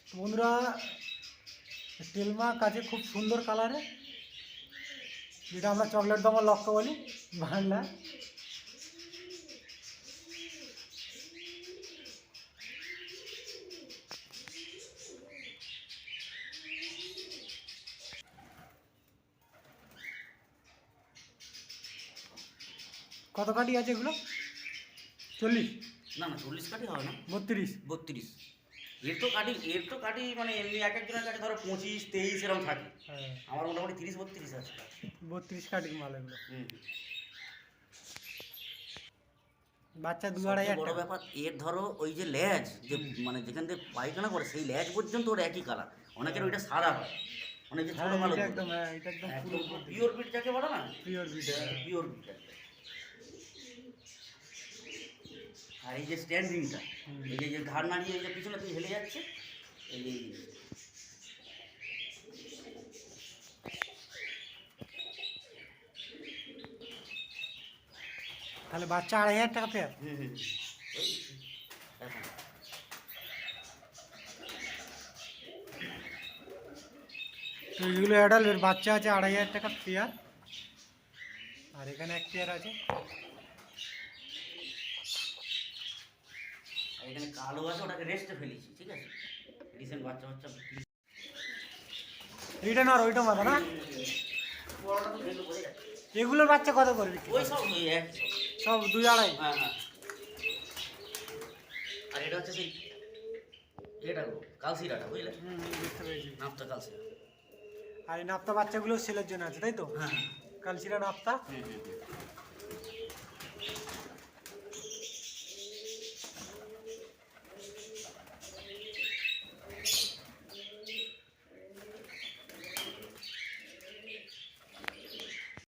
বন্ধুরা, টেলমা কাছে খুব সুন্দর কালারে, যেটা আমরা চকলেট দমা লক্ষ্য বলি বাংলা। কত কাঠি আছে এগুলো? 40? না না 40 কাঠি হবে না, 32? 32। এর তো কাঠি মানে এমনি এক একজনের কাছে ধরো 25-23 এরকম থাকে। হ্যাঁ, আমার মোটামুটি 30-32 আছে। 32 কাঠির মাল এগুলো। হুম। বাচ্চা 2-2.5 সবচেয়ে হাজার বড় টাকা। ব্যাপার এর ধরো ওই যে ল্যাজ, যে মানে যেখান থেকে পায়খানা করে সেই ল্যাজ পর্যন্ত ওর একই কালার। অনেকের ওইটা সাদা হয়, অনেক যে হ্যাঁ, ছোটো কালো এটা একদম, হ্যাঁ এটা একদম পুরো পিওর বিট যাকে বলে না, পিওর বিট। Pure beat. আর এই যে স্ট্যান্ডিংটা, এই যে ঘাড় নাড়িয়ে এই যে পিছনে তুই হেলে যাচ্ছে, এই যে তাহলে বাচ্চা 2.5 হাজার টাকা পেয়ার। হুম হুম ওই দেখো। তো এগুলো অ্যাডাল্ট, এর বাচ্চা আছে 2.5 হাজার টাকা পেয়ার। আর এখানে এক পেয়ার আছে। আর এখানে কালো আছে, ওটাকে রেস্টে ফেলেছি, ঠিক আছে, রিসেন্ট বাচ্চা এইটা না, আর ওইটা মাথা না। বড়টা তো দেখলে বোঝা যাচ্ছে। এগুলোর বাচ্চা কত করে বিক্রি ওই করে? সব ওই এক সব 2-2.5? হ্যাঁ হ্যাঁ। আর এটা হচ্ছে সেই এটা গো কালসিরাটা, বুঝলে, বুঝতে পেরেছি। নাপটা কালসিরা। আর এই নাপ্তা বাচ্চাগুলো সেলের জন্য আছে, তাই তো? হ্যাঁ কালচিরা নাপ্তা। হুম হুম হুম।